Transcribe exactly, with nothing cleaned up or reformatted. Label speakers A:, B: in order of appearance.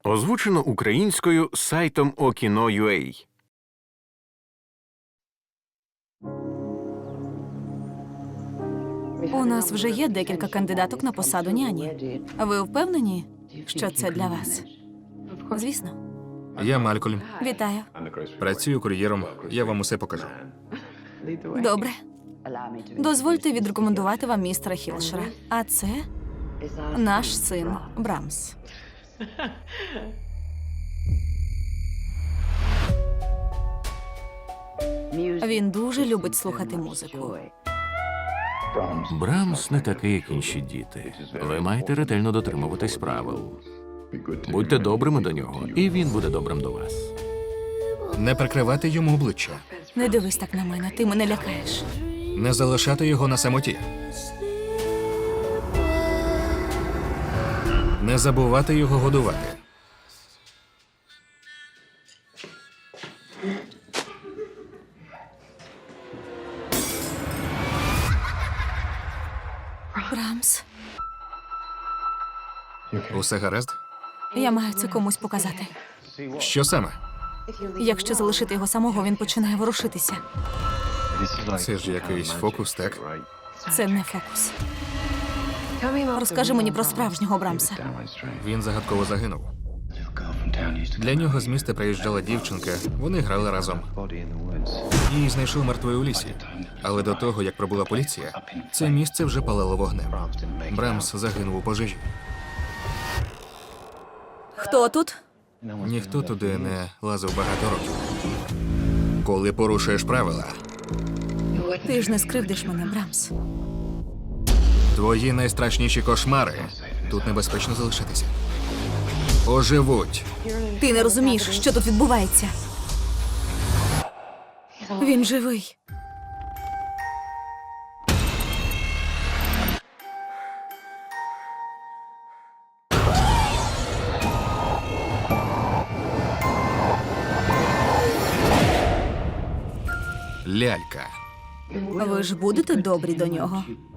A: Озвучено українською сайтом Okino.ua.
B: У нас вже є декілька кандидаток на посаду няні. Ви впевнені, що це для вас? Звісно.
C: Я Малькольм.
B: Вітаю.
C: Працюю кур'єром. Я вам усе покажу.
B: Добре. Дозвольте відрекомендувати вам містера Хілшера. А це наш син Брамс. Він дуже любить слухати музику.
A: Брамс не такий, як інші діти. Ви маєте ретельно дотримуватись правил. Будьте добрими до нього, і він буде добрим до вас.
C: Не прикривати йому обличчя.
B: Не дивись так на мене, ти мене лякаєш.
C: Не залишати його на самоті. Не забувати його годувати.
B: Брамс,
C: Усе гаразд?
B: я маю це комусь показати.
C: Що саме?
B: Якщо залишити його самого, він починає ворушитися.
C: Це ж якийсь фокус, так?
B: Це не фокус. Розкажи мені про справжнього Брамса.
C: Він загадково загинув. Для нього з міста приїжджала дівчинка, вони грали разом. Її знайшов мертвою у лісі. Але до того, як прибула поліція, це місце вже палало вогнем. Брамс загинув у пожежі.
B: Хто тут?
C: Ніхто туди не лазив багато років. Коли порушуєш правила,
B: Ти ж не скривдиш мене, Брамс.
C: твої найстрашніші кошмари тут небезпечно залишитися. Оживуть.
B: Ти не розумієш, що тут відбувається. Він живий.
C: Лялька.
B: Ви ж будете добрі до нього?